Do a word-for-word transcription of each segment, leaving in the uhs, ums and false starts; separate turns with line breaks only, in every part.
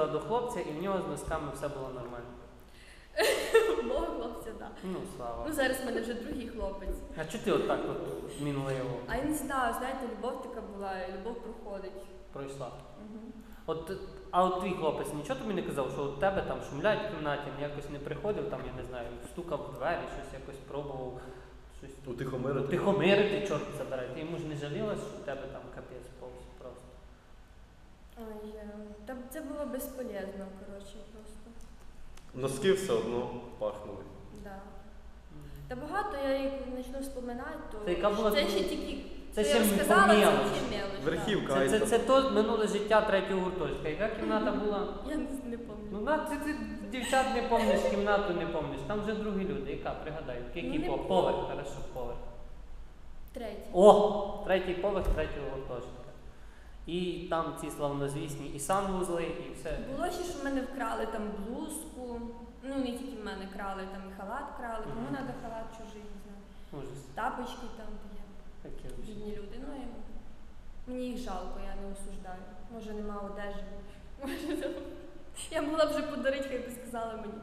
їздила до хлопця і в нього з носками все було нормально.
Мого хлопця, так.
Ну, слава.
Ну, зараз в мене вже другий хлопець.
А чого ти отак от мінливо
А я не знаю, знаєте, любов така була, і любов проходить.
пройшла?
Угу.
От, а от твій хлопець нічого тобі не казав, що у тебе там шумлять в кімнаті, якось не приходив, там, я не знаю, стукав в двері, щось якось пробував, щось
Утихомирити.
Утихомирити, чорт забирай. Ти йому ж не жалілась, що в тебе там капець повз просто.
Ой, е, та це було безполезно, коротше, просто.
Носки все одно пахнули.
Да. Та багато я як почну вспоминати, то
Це яка була
це
твоя-
ще тільки
Це
що
ще
я
по
розказала, це
мелочі.
ще мелочь.
Верхівка.
Це, це,
айсберг.
це то минуле життя третього гуртожитка. Яка кімната була?
Да. Я не, не пам'ятаю.
Ну, на, ти, ти дівчат не помниш, кімнату не помниш. Там вже другі люди. Яка? Пригадай. Який
Ну, не
поверх? Поверх, хорошо, поверх.
Третій.
О! Третій поверх третього гуртожитка. І там ці славнозвісні і санвузли, і все.
Було ще, що в мене вкрали там блузку. Ну, не тільки в мене крали, там і халат крали. Кому
Мгм.
треба халат чужий, не знаю.
Ужас.
Тапочки там є.
Таке вже.
Бідні люди. Ну, і мені їх жалко, я не осуждаю. Може, нема одежі. Може, там- я могла б вже подарити, хай би сказала мені.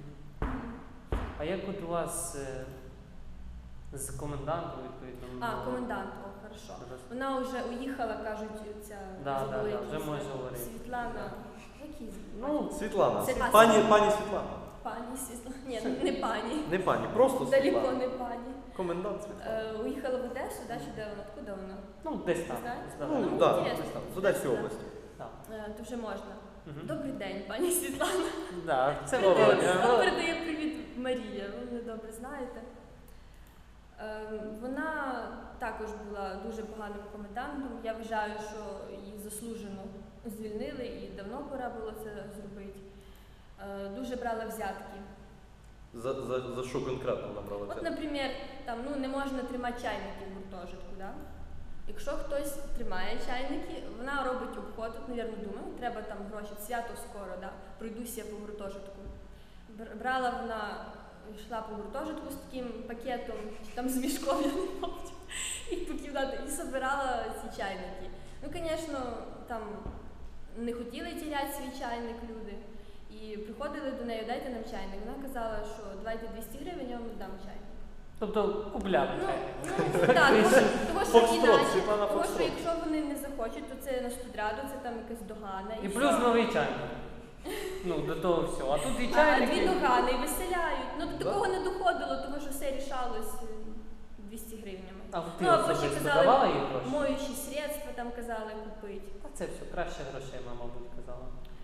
А як от у вас е, з комендантом, відповідно?
А,
ну,
комендант, о, хорошо.
роз-
Вона вже уїхала, кажуть, ця
Да,
забула,
да, да,
як
вже
її
може
звати.
говорити.
Світлана. Які звати?
Ну,
Світлана.
Це- а,
Пані,
Світлана.
пані Світлана.
Пані Світлана. Ні, не пані.
Не пані, просто
Далеко
Світлана.
не пані.
Комендант Світлана.
Е, уїхала в Одесу, да, чи де вона? Откуда вона?
ну десь там.
Знаєте?
десь там.
Ну,
ну,
так,
інтересно.
десь там, з Одеської області.
Так.
Е, то вже можна.
Мгм.
Добрий день, пані Світлана.
Да, це
Доброго
Володя.
дня.
Вам передає привіт Марія, ви мене добре знаєте. Е, Вона також була дуже поганим комендантом. Я вважаю, що її заслужено звільнили і давно пора було це зробити. Е, Дуже брала взятки.
За, за, за що конкретно набрали
От,
взятки?
наприклад, там, ну, не можна тримати чайники в гуртожитку, да? Якщо хтось тримає чайники, вона робить обход, от, мабуть, думаю, треба там гроші, свято скоро, да? Пройдуся по гуртожитку. Бр- Брала вона, йшла по гуртожитку з таким пакетом, чи там з мішком, я не пам'ятаю, і по кімнаті, і збирала ці чайники. Ну, звісно, там не хотіли тіряти свій чайник люди. І приходили до неї, дайте нам чайник. Вона казала, що давайте двісті гривень, я вам дам чайник.
Тобто купляти
Ну,
чайник.
ну так, тому що, тому що
Фокстрот,
іначе,
Світлана
тому що
Фокстрот.
якщо вони не захочуть, то це на студраду, це там якась догана.
І
все.
плюс новий чайник. Ну, до того всього. А тут і
А, а
чайники.
дві догани, і виселяють. Ну, до
Да.
такого не доходило, тому що все рішалось е, двісті гривнями.
А ти
Ну, або ще
особисто
казали,
давала їй гроші?
моючі средства там казали купити.
А це все, краще грошей, мама, мабуть, казала.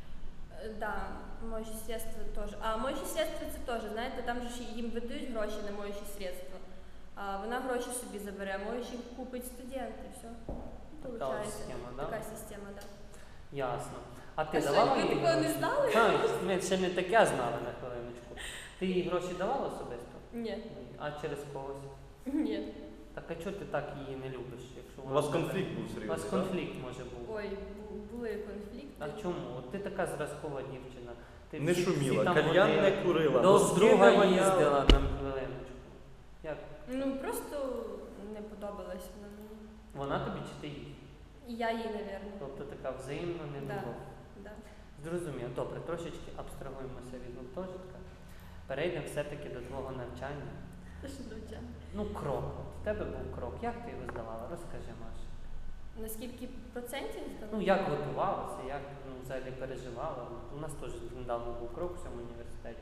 Е, Да, моючі средства теж. А моючі средства це теж, знаєте, там же ж їм видають гроші на моючі средства. А вона гроші собі забере, а моючі купить студент і все.
Така ось схема, да?
Така система, так.
Ясно. А ти
А що,
давала
ви
їй
такого не
гроші?
знали?
А, ми ще не таке знали на хвилиночку. Ти їй гроші давала особисто?
Ні.
Ні. А через когось?
Ні.
Так а чого ти так її не любиш? Якщо
У
вона
вас
тебе-
конфлікт був
У
серйозний,
вас
так?
конфлікт може був.
Ой, бу- були конфлікти.
А чому? От ти така зразкова дівчина. Ти
Не
всі-
шуміла,
всі там
кальян
ходили,
не курила,
До
носки
друга
не воняли.
їздила на хвилиночку. Як?
Ну просто не подобалась вона мені.
Вона тобі чи ти їй?
І я їй, напевно.
Тобто така взаємна не
Да.
було.
Да.
Зрозуміло. Добре, трошечки абстрагуємося від гуртожитка. Перейдемо все-таки до твого навчання.
Це ж доча.
Ну, крок. От в тебе був крок. Як ти його здавала? Розкажи, Маша.
Наскільки процентів здала?
Ну, як готувалася, як ну, взагалі переживала. У нас теж недавно був крок у цьому університеті.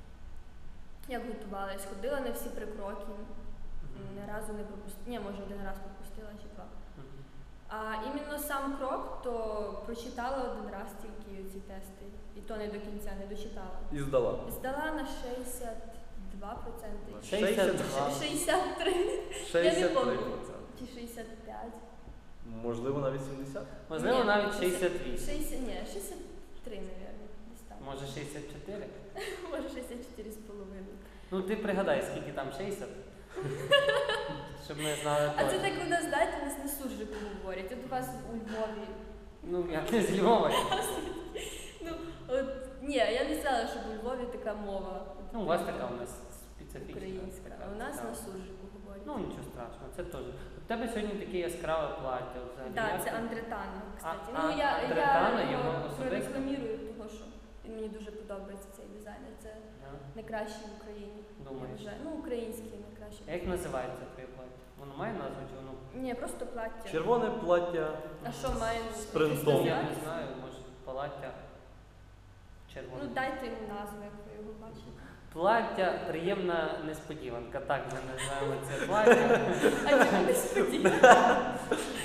Як готувалась? Ходила на всі прикроки.
Мгм.
Ні разу не пропустила. Ні, може один раз пропустила чи два.
Мгм.
А іменно сам крок, то прочитала один раз тільки ці тести. І то не до кінця, не дочитала.
І здала.
Здала на шістдесят два відсотки.
шістдесят два.
шістдесят три.
шістдесят три
помню.
відсотки.
Чи шістдесят п'ять.
Можливо, навіть сімдесят?
Можливо,
Ні,
навіть шістдесят вісім.
шістдесят, ні, шістдесят три, мабуть, десь там.
Може шістдесят чотири?
Може шістдесят чотири з половиною.
Ну ти пригадай, скільки там шістдесят. Щоб ми знали
А це
точно.
так у нас, знаєте, у нас на суржику говорять. От у вас у Львові.
Ну, я не з Львова.
Ну, от, ні, я не знала, що у Львові така мова.
Ну, у вас така у нас специфічна.
Українська.
така
А у нас
цікава.
на суржику говорять. приходять.
Ну нічого страшного, це теж. У тебе сьогодні таке яскраве плаття взагалі.
Так,
Як
це
ти-
Андретана, кстати.
А-
ну,
а-
я,
Андретана,
я
його
його
особисто?
прорекламірую, тому що він мені дуже подобається, цей дизайнер. Це
Да?
найкращий в Україні.
Думаєш?
Вже. Ну, український найкращий.
А як називається твоє плаття? Воно має назву чи воно?
Ні, просто плаття.
Червоне плаття.
А що має?
З принтом.
Я
якось
не знаю, може плаття червоне.
Ну, дайте йому назву, як ви його бачите.
Плаття приємна несподіванка. Так ми називаємо це плаття.
А чому не сподіваєте?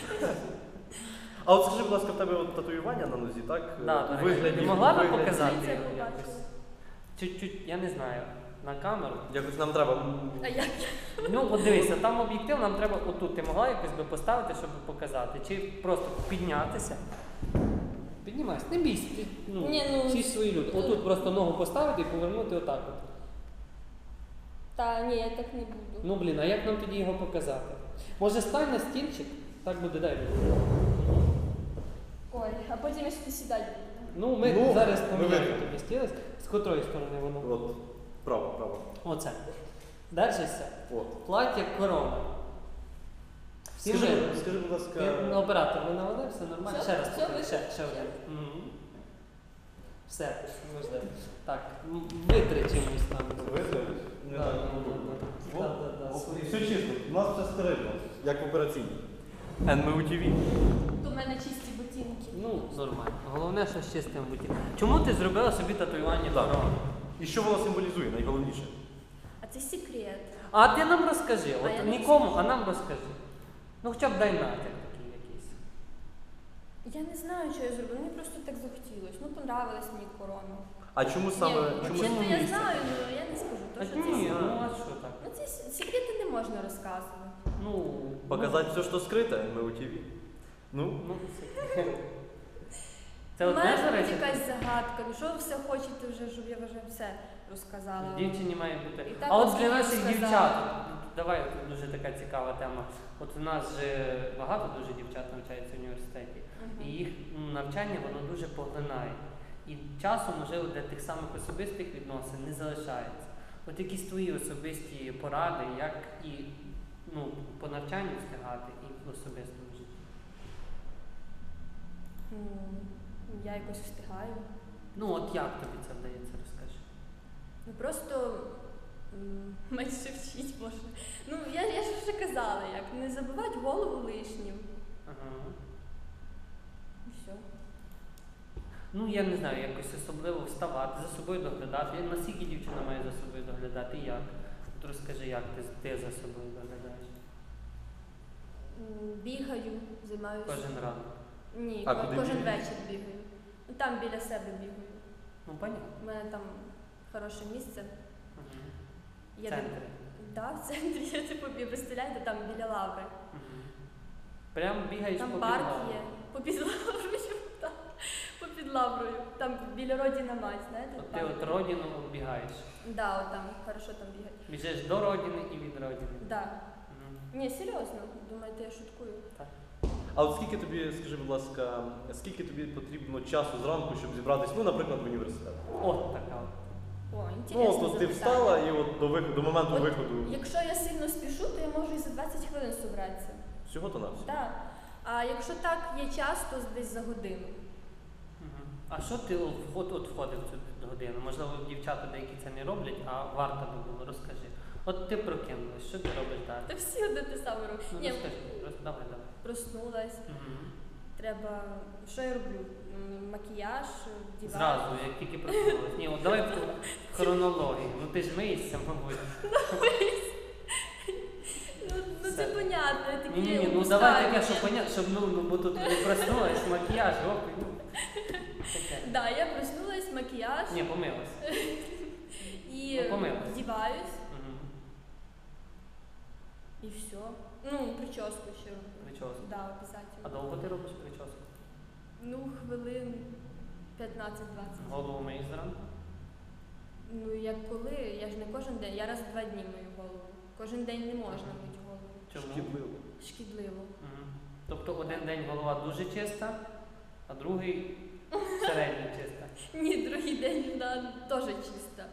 А от скажи, будь ласка, в тебе от татуювання на нозі, так?
Да,
У
так.
вигляді-
Ти могла
у
би
вигляді-
показати
Це
його
побачила.
якось? Чуть-чуть, я не знаю, на камеру.
Якось нам треба.
А як?
Ну, от дивися, там об'єктив, нам треба отут. Ти могла якось би поставити, щоб показати? Чи просто піднятися? Піднімайся, не бійся. Ти, ну,
Ні, ну,
всі свої люди. Отут просто ногу поставити і повернути отак от.
Та ні, я так не буду.
Ну блін, а як нам тоді його показати? Може стань на стільчик? Так буде дай.
Ой, а потім я сюди сідати буду.
Ну, ми
Ну,
зараз
ми
поміняємо
вийдемо.
тобі стілець. З котрої сторони воно?
От, право, право.
Оце. Держишся.
От.
Плаття корона. Всі
Скажи,
ми-
скажи, будь ласка.
Ти на оператор ви навели, все нормально?
Все,
Ще раз
все,
покажи,
ви-
ще, ще один. Мгм. Все, можливо. Так, м, витри чимось там.
Виглядаєш? Не
Да,
так,
да,
ну,
да, да.
О,
Да, да, да,
о,
свої.
Все чисто, у нас все стерильно, як в операційній. ен ем ю ті ві.
У мене чисті ботинки.
Ну, нормально. Головне, що з чистим бути. Чому ти зробила собі татуювання
Так.
корона?
І що воно символізує, найголовніше?
А це секрет.
А ти нам розкажи,
А я
от
не
нікому, а нам розкажи. Ну хоча б дай натяк такий якийсь.
Я не знаю, що я зробила. Мені просто так захотілося. Ну, понравилась мені корона.
А чому саме,
Ні,
чому
взагалі-то
саме
я
місце?
знаю, але я не скажу. То,
А
що
ні,
це...
ну а що так?
Ну, ці с- секрети не можна розказувати.
Ну,
Показати все, що скрите, ен ем ю ті ві. Ну,
Ну, ну це. Це
У
одне,
мене
до
тут
речі.
якась загадка. Ну, що ви все хочете вже, щоб я вже все розказала?
Дівчині має бути.
І так
А от
ось
для
я
наших
розказала.
дівчат, давай тут дуже така цікава тема. От у нас же багато дуже дівчат навчається в університеті,
Мгм.
і їх м, навчання воно дуже поглинає. І часу, можливо, для тих самих особистих відносин не залишається. От якісь твої особисті поради, як і ну, по навчанню встигати, і в особистому житті.
М, Я якось встигаю.
Ну от як тобі це вдається, розкажи.
Ну просто м, менше вчить може. Ну, я, я ж вже казала, як не забивати голову лишнім.
Ага.
І все.
Ну, я не знаю, якось особливо вставати, за собою доглядати. Я- Наскільки дівчина має за собою доглядати і як? От розкажи, як ти, ти за собою доглядаєш?
М, Бігаю, займаюся.
Кожен ранок.
Ні,
А
ко-
куди
кожен
бігаєш?
вечір бігаю. Ну там біля себе бігаю.
Ну, понятно.
У мене там хороше місце.
Угу. В
Я
центрі.
Так, в центрі, я типу, ви представляєте, там біля лаври.
Угу. Прям бігаєш
Там
по
парк
підлогу.
є. Попід лаврою, так. Попід лаврою. Там біля родина мать, знаєте?
От ти
парк.
от родину оббігаєш.
Да, от там хорошо там бігати.
Біжиш до родини і від родини.
Да.
Угу.
Ні, серйозно, думаєте, я шуткую.
а от скільки тобі, скажи, будь ласка, скільки тобі потрібно часу зранку, щоб зібратись, ну, наприклад, в університет?
От така от.
О,
Ну,
інтересно.
от, от ти встала і от до виходу, до моменту
От
виходу.
Якщо я сильно спішу, то я можу і за двадцять хвилин зібратися.
Всього то на все.
Так. А якщо так є час, то десь за годину.
Угу. А що ти от, от, от входив в цю годину? Можливо, дівчата деякі це не роблять, а варто би було. Розкажи. От ти прокинулась, що ти робиш
Та
далі?
всі одне те саме роблять.
Ну,
Ні,
розкажи, роз- давай, давай.
проснулась.
Угу.
Треба. Що я роблю? М, Макіяж, вдіваю.
Зразу, як тільки проснулась. Ні, от давай по хронології. Ну ти ж миєшся, мабуть.
Ну, ну
Все.
це понятно, я такі
Ні, ні, ні, ну
упускаю
давай таке,
момент.
щоб понятно, щоб ну, ну бо тут не проснулась, макіяж, оп, і, ну. Таке.
Да, я проснулась, макіяж
Ні, помилась.
і
ну, помилась.
вдіваюсь,
Угу.
і все. Ну, прическу ще роблю.
Прическу.
Да, обов'язково.
А довго ти робиш прическу?
Ну, хвилин п'ятнадцять-двадцять.
Голову миєш зранку?
Ну, як коли, я ж не кожен день, я раз в два дні мию голову. Кожен день не можна мити голову.
Чому?
Шкідливо.
Шкідливо.
Угу. Тобто один день голова дуже чиста, а другий середньо чиста.
Ні, другий день вона теж чиста.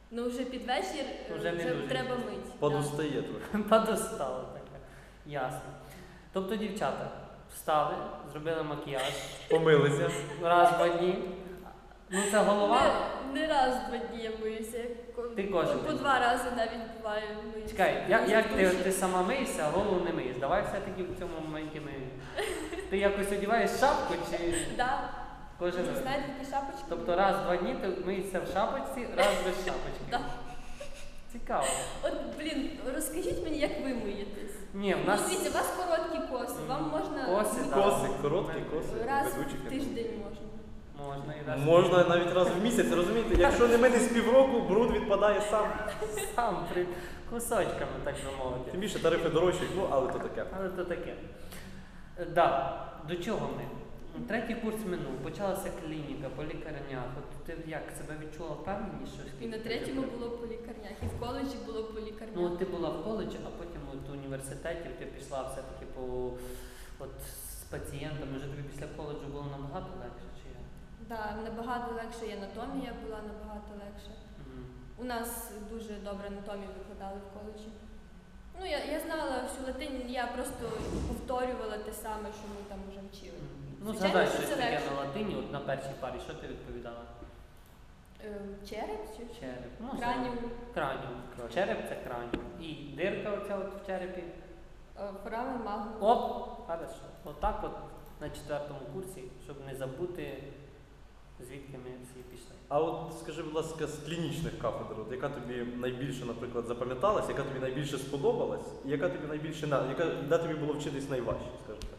Ну вже під вечір е,
Вже не
вже
дуже
треба
чисто.
мити.
Подустає трохи.
Подостало таке. Ясно. Тобто дівчата встали, зробили макіяж
Помилися.
раз в два дні. Ну це голова.
Не, не раз в два дні я боюся. Ко-
Ти кожен
по
день.
два рази навіть буває. боюся.
Чекай, як, як ти,
Дуже.
ти сама миєшся, а голову не миєш? Давай все-таки в цьому моменті ми. Ти якось одіваєш шапку чи
Да.
кожен
Ви
раз?
знаєте такі шапочки?
Тобто раз в два дні ти миєшся в шапочці, раз без шапочки.
Да.
Цікаво.
От, блін, розкажіть мені, як ви миєтесь.
Ні, в
Ну,
нас
дивіться, у вас короткі коси, вам можна
Коси,
мити
так.
Коси, короткі коси.
раз
ведучих,
в
я
тиждень можна.
можна і раз.
Можна навіть раз в місяць, розумієте? Якщо не мити з півроку, бруд відпадає сам.
Сам при кусочками, так би мовити.
Тим більше тарифи дорожчі, ну але то таке.
Але то таке. Е, Да. До чого ми? Третій курс минув, почалася клініка по лікарнях. От ти як себе відчула впевненіше?
І
скільки
на
ти
третьому
вже-
було по лікарнях, і в коледжі було по лікарнях.
Ну от ти була в коледжі, а потім от в університеті ти пішла все-таки по от з пацієнтами. Вже тобі після коледжу було набагато легше, чи як?
Да, набагато легше, і анатомія була набагато легше.
Мгм.
У нас дуже добре анатомію викладали в коледжі. Ну, я, я знала всю латинь, я просто повторювала те саме, що ми там вже вчили.
Ну,
Звичайно,
згадай
що
щось
це
таке
легше.
на латині, от на першій парі, що ти відповідала?
Ем, череп чи що?
Череп. Ну,
Краніум,
Краніум. Череп це краніум. І дирка оця от в черепі.
е, форамен, магнум.
Оп! Хорошо. Отак от на четвертому курсі, щоб не забути, звідки ми всі пішли.
А от скажи, будь ласка, з клінічних кафедр, от яка тобі найбільше, наприклад, запам'яталась, яка тобі найбільше сподобалась, і яка тобі найбільше на яка де тобі було вчитись найважче, скажімо так?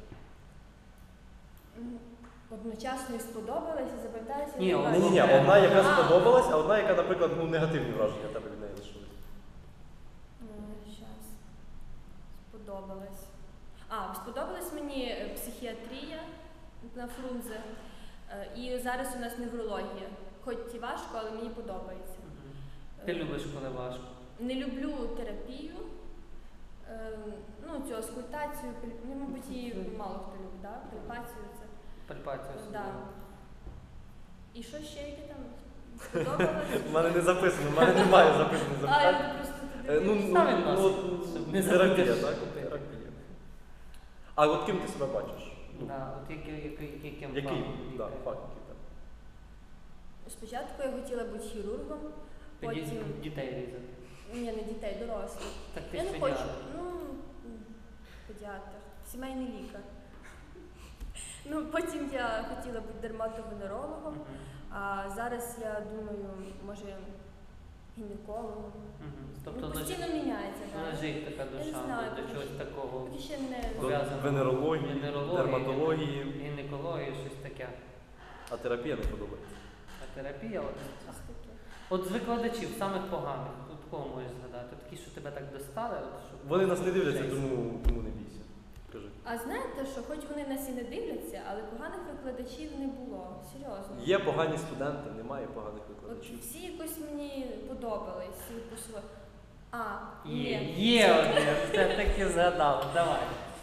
М, Одночасно і сподобалось, і запам'яталося.
Ні,
і
ні,
Ні, ні, ні,
А.
одна, яка
А.
сподобалась, а одна, яка, наприклад, ну, негативні враження в тебе від неї лишились.
Зараз. Сподобалось. А, сподобалась мені е, психіатрія на Фрунзе. Е, І зараз у нас неврологія. Хоч і важко, але мені подобається.
Мгм. Ти любиш, коли важко.
Не люблю терапію, е, ну, цю аскультацію, піль- ну, мабуть, її мало хто любить, да? Пальпацію це.
Пальпацію
Да.
особливо.
І що ще яке там сподобалось?
У мене не записано, в мене немає записаних
А,
запитань.
я просто
Е,
туди.
Ну,
дивлюсь.
ну,
Ставимо
ну,
нас,
от,
щоб не
терапія,
забути
так?
купити.
Терапія. А от ким ти себе бачиш? Ну,
Да, от який, який, яким
Який?
планом
Да,
лікаря?
факт, який там.
Спочатку я хотіла бути хірургом,
Тоді
потім.
дітей різати.
Ні, не дітей, дорослих.
Так ти
Я
ж
не
педіатр.
хочу. Ну, м, педіатр, сімейний лікар. Ну, потім я хотіла бути дерматовенерологом,
Мгм.
а зараз я думаю, може, гінекологом.
Мгм. Тобто
Ну,
лежить,
постійно міняється, так.
лежить така
Я не
душа
знаю,
до
поки
чогось
що.
такого.
Поки ще не
До
Пов'язано.
венерології,
Венерології,
дерматології,
Гінекології, щось таке.
а терапія не подобається.
А терапія, от,
щось таке.
от з викладачів, самих поганих, от кого можеш згадати? Такі, що тебе так достали, от, щоб...
Вони нас не дивляться,
Жесть.
тому, тому не бійся. Кажи.
А знаєте, що хоч вони нас і не дивляться, але поганих викладачів не було. Серйозно.
Є погані студенти, немає поганих
От
викладачів.
всі якось мені подобались. всі по-своєму. А,
Є,
ні.
є один, все таки згадав, давай.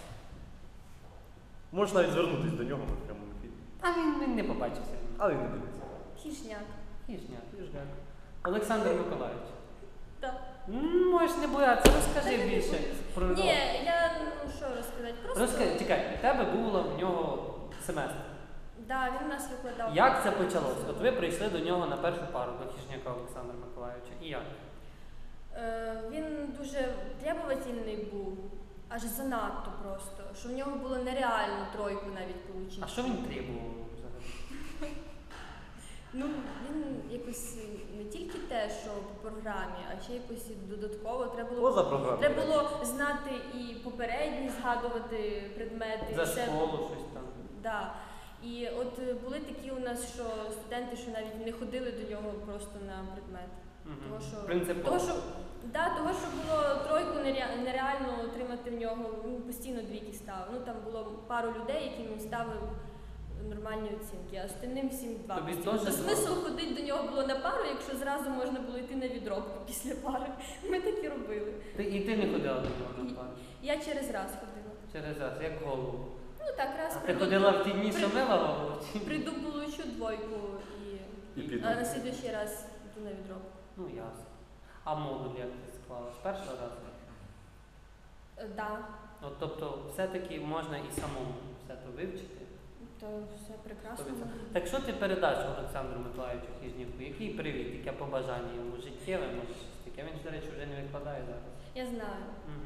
Можеш навіть звернутися до нього в прямому ефірі.
А він, він не побачився.
Але він не дивиться.
Хішняк.
Хіжня, хіжня. Олександр Миколаївич.
Так.
М, Можеш не боятися, розкажи
Та я не
більше
боюсь.
про
Ні,
нього.
я ну що розказати, просто.
Розкажи, чекай, у тебе було в нього семестр.
Да, він нас викладав.
Як це почалося? От ви прийшли до нього на першу пару, до Хіжняка Олександра Миколаївича. І як?
Е, він дуже требовательний був, аж занадто просто, що в нього було нереально тройку навіть отримати.
А що він требував взагалі?
Ну, він якось не тільки те, що по програмі, а ще якось і додатково треба було.
Поза програмою.
Треба було знати і попередні, згадувати предмети.
За
і все.
школу щось там.
Да. І от е, були такі у нас, що студенти, що навіть не ходили до нього просто на предмет.
Мгм.
Того, що,
Принципово.
того, що, да, того, що було тройку нере- нереально отримати в нього, він постійно двійки ставив. Ну там було пару людей, яким він ставив нормальні оцінки, а остальним всім два.
Тобі
постійно.
теж
То
два?
смисл ходити до нього було на пару, якщо зразу можна було йти на відробку після пари. Ми так і робили.
Ти, і ти не ходила до нього на пару?
Я через раз ходила.
Через раз, як голову.
Ну так, раз
А ти
прийду,
ходила в ті дні,
при-
що мила голову? чи-
прийду, получу двойку і,
І піду.
а на слідуючий раз йду на відробку.
Ну ясно. А модуль як ти склала? З першого разу?
Е, Да,
От, тобто все-таки можна і самому все то вивчити.
то все прекрасно.
сто відсотків. Так що ти передаш Олександру Миколаївичу Хижнівку? Який привіт, яке побажання йому життєве, може щось таке? Він ж, до речі, вже не викладає зараз.
Я знаю.
Угу.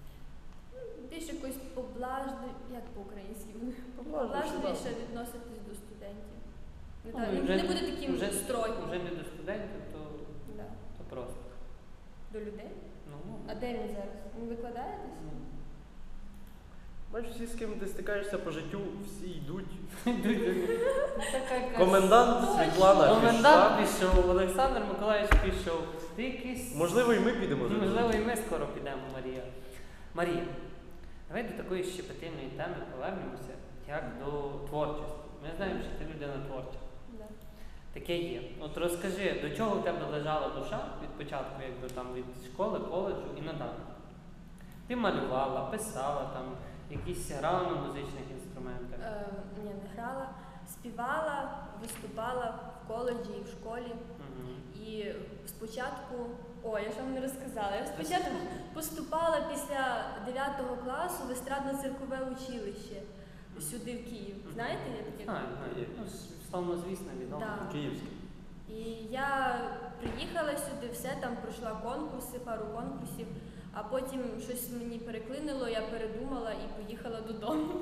Більш якось поблажливі, як по-українськи,
Поблажливіше,
поблажливіше відноситись до студентів. Не,
Ну,
так,
і
не,
вже-
не буде таким
вже,
строгим.
вже не до студентів, то,
Да.
то просто.
До людей.
Ну,
А де він зараз? Він викладає десь?
ну.
Бачиш, всі, з ким ти стикаєшся по життю, всі йдуть.
Така якась-
Комендант
Точно.
Світлана
Комендант
пішла.
пішов, Олександр Миколаївич пішов. Ти якийсь...
Можливо, і ми підемо за ним.
Можливо, і ми скоро підемо, Марія. Марія, давай до такої щепетильної теми повернемося, як до творчості. Ми знаємо, що ти людина творча.
Да.
Таке є. От розкажи, до чого в тебе лежала душа від початку, якби там від школи, коледжу і надалі? Ти малювала, писала там, якісь грала на музичних інструментах.
Е, ні, не грала. Співала, виступала в коледжі і в школі.
Мгм.
І спочатку, о, я ж вам не розказала. Я спочатку поступала після дев'ятого класу в естрадно-циркове училище сюди, в Київ. Знаєте, я таке?
Знаю, знаю. Ну, славно, звісно, відомо.
Да.
Київський.
І я приїхала сюди, все там пройшла конкурси, пару конкурсів, а потім щось мені переклинило, я передумала і поїхала додому.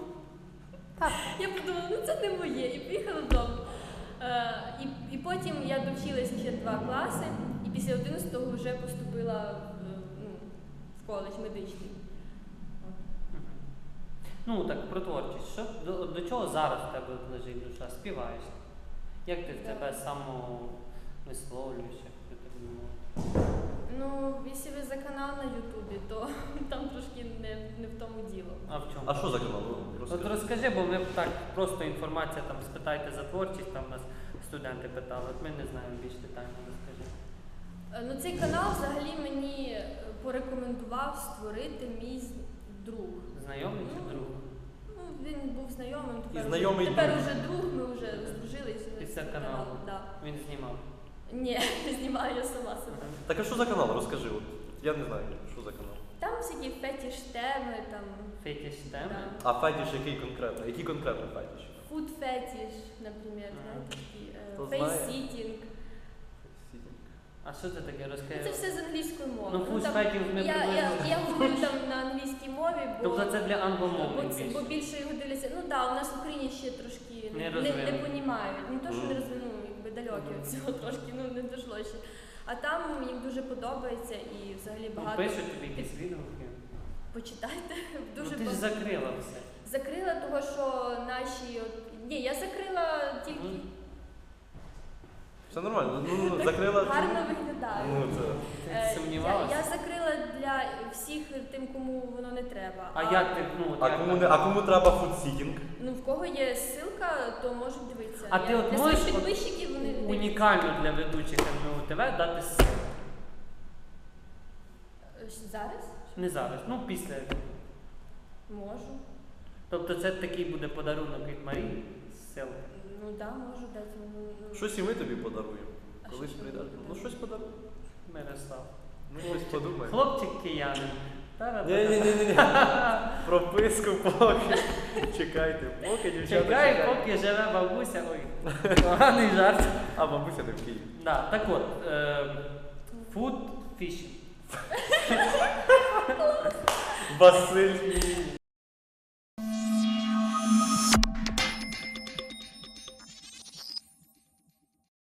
Я подумала, ну це не моє, і поїхала додому. Е, і, і потім я довчилася ще два класи, і після одинадцятого вже поступила в, ну, в коледж медичний.
Мгм. Ну так, про творчість. Що, до, до чого зараз в тебе от лежить душа? Співаєш? Як ти в
Да.
тебе самовисловлюєш, як ти так думала?
Ну, якщо ви за канал на Ютубі, то там трошки не, не в тому діло.
А в чому?
А що за канал? Ну,
От
розкажи.
розкажи, бо ми так просто інформація там спитайте за творчість, там нас студенти питали, от ми не знаємо більш детально, розкажи.
Е, Ну, цей канал взагалі мені е, порекомендував створити мій з- друг.
Знайомий чи
Ну,
друг?
Ну, він був знайомим,
І
тепер,
знайомий
вже, тепер
друг.
уже друг, ми вже здружились.
Після
з
каналу.
Да.
Він знімав.
Ні, знімаю я сама себе.
Так а що за канал? Розкажи. От. Я не знаю, що за канал.
Там всякі фетіш теми, там
Фетіш теми.
да.
А фетіш який конкретно? Який конкретно фетіш?
фуд фетіш, наприклад,
Ага.
знаєте, такі
Хто
е,
знає?
фейс-сітінг.
А що це таке?
Ну,
Розкажи.
це все з англійської мови.
Ну, food
там,
фетіш ми
я, я,
приблизно-
я говорю там на англійській мові, бо,
Тобто це для
бо,
англомовних
це- бо
більше.
більше його дивляться. Ну так, да, у нас в Україні ще трошки
Не
не, не,
розвинено.
не понімають. Не то, що не
Мгм.
розвину, якби далекі
Мгм.
від цього трошки, ну не дійшло ще. А там їм дуже подобається і взагалі
Ну,
багато
пишуть тобі якісь відгуки.
почитайте. Дуже
Ну, ти ж
ба-
закрила все.
Закрила того, що наші от ні, я закрила тільки
Мгм.
Все нормально. Ну, ну, закрила.
гарно виглядаю.
Ну, це.
Ти
Е,
сумнівалася?
Я, я закрила для всіх тим, кому воно не треба.
А як ти, ну, от
А
як
кому,
так?
не, а кому треба фудсітінг?
Ну, в кого є ссылка, то можуть дивитися.
А
Я-
ти от
для
можеш
своїх
от
підписчиків вони дивляться.
унікально для ведучих ем ен у ТВ дати ссылку?
Е, Зараз?
Не зараз, ну після.
Можу.
Тобто це такий буде подарунок від Марії ссылка.
Ну так, да, можу дати. Ну, ну.
Щось і ми тобі подаруємо.
А
Колись
що
прийдеш.
тобі
Ну
подаруємо?
щось подаруємо.
Мирослав.
Ну щось подумай.
Хлопчик киянин.
Ні, ні, ні, ні. Прописку поки. Чекайте, поки дівчата.
Чекай,
чекають.
поки живе бабуся. Ой, поганий жарт.
А бабуся не в Києві.
Да, так от, е, food fishing.
Василь.